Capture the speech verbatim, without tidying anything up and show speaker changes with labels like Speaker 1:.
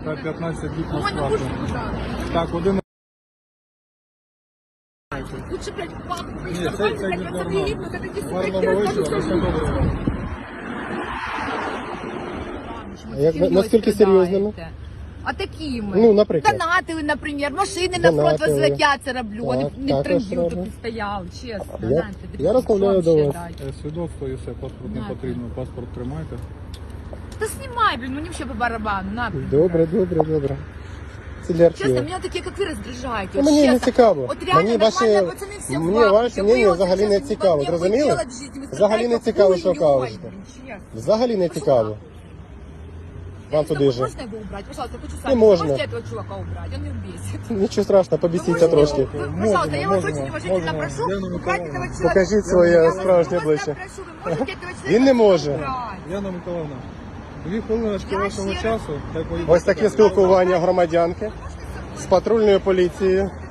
Speaker 1: та п'ятнадцять діб на
Speaker 2: Ой, не
Speaker 1: сплату.
Speaker 2: будешь пожалуйста.
Speaker 1: Так, один.
Speaker 2: Лучше, блядь, в банк
Speaker 1: Ні,
Speaker 2: прийти,
Speaker 1: це,
Speaker 2: блядь,
Speaker 1: це
Speaker 2: блядь,
Speaker 1: не
Speaker 2: посмотри,
Speaker 1: нормально.
Speaker 2: ну, это не
Speaker 1: Гарного вечора, все добре.
Speaker 3: А як- наскільки серйозними?
Speaker 2: А такими.
Speaker 3: Ну, наприклад.
Speaker 2: Донатили, наприклад, машини на фронт
Speaker 3: Донатили.
Speaker 2: возвать, я це роблю, а не,
Speaker 3: Так,
Speaker 2: не
Speaker 3: також
Speaker 2: транзиту
Speaker 3: роблю.
Speaker 2: тут стояв, чесно.
Speaker 3: Я-
Speaker 2: знаєте,
Speaker 3: я розмовляю
Speaker 2: що
Speaker 3: до
Speaker 2: вам
Speaker 3: вас.
Speaker 2: ще дати?
Speaker 1: Е, Свідоцтво і все, паспорт не
Speaker 2: На,
Speaker 1: потрібно. Паспорт тримайте.
Speaker 2: Та знімай, блін, мені ще по барабану, на. блін.
Speaker 3: Добре, добре, добре. Це для
Speaker 2: Чесно,
Speaker 3: архіву.
Speaker 2: мене такі, як ви, роздражаєте.
Speaker 3: Ну,
Speaker 2: от
Speaker 3: мені не
Speaker 2: чесно.
Speaker 3: цікаво.
Speaker 2: От реально
Speaker 3: Мені ваші,
Speaker 2: нормальні пацани всі
Speaker 3: мені
Speaker 2: в
Speaker 3: ваше
Speaker 2: бабки.
Speaker 3: мнення
Speaker 2: Ви от
Speaker 3: взагалі не
Speaker 2: зараз
Speaker 3: цікаво,
Speaker 2: не
Speaker 3: зрозуміли?
Speaker 2: хотіли в житті, ви
Speaker 3: Взагалі не
Speaker 2: страдаєте
Speaker 3: цікаво, що
Speaker 2: хуйньою,
Speaker 3: кажете.
Speaker 2: блін, чесно.
Speaker 3: Взагалі не цікаво. Вам туди же.
Speaker 2: Можно его убрать? Пожалуйста, я хочу
Speaker 3: Не
Speaker 2: сами.
Speaker 3: можно.
Speaker 2: Можете этого чувака убрать? Он меня бесит.
Speaker 3: Нічого страшного,
Speaker 2: Вы
Speaker 3: побісіться
Speaker 2: можете
Speaker 3: трошки.
Speaker 2: его- вы, пожалуйста, я вас
Speaker 1: Можемо,
Speaker 2: очень уважительно
Speaker 1: можемо.
Speaker 2: прошу
Speaker 1: Яна
Speaker 2: убрать
Speaker 1: Миколаївна.
Speaker 2: этого человека.
Speaker 3: Покажіть своє
Speaker 2: Я вас
Speaker 3: справжнє
Speaker 2: просто
Speaker 3: обличчя.
Speaker 2: прошу, вы можете этого человека
Speaker 3: Він не може.
Speaker 2: убрать?
Speaker 1: Яна Миколаївна, дві хвилиночки
Speaker 2: Я
Speaker 1: вашого
Speaker 2: ще-
Speaker 1: часу. Хай поїде.
Speaker 3: Ось таке спілкування громадянки з патрульною поліцією.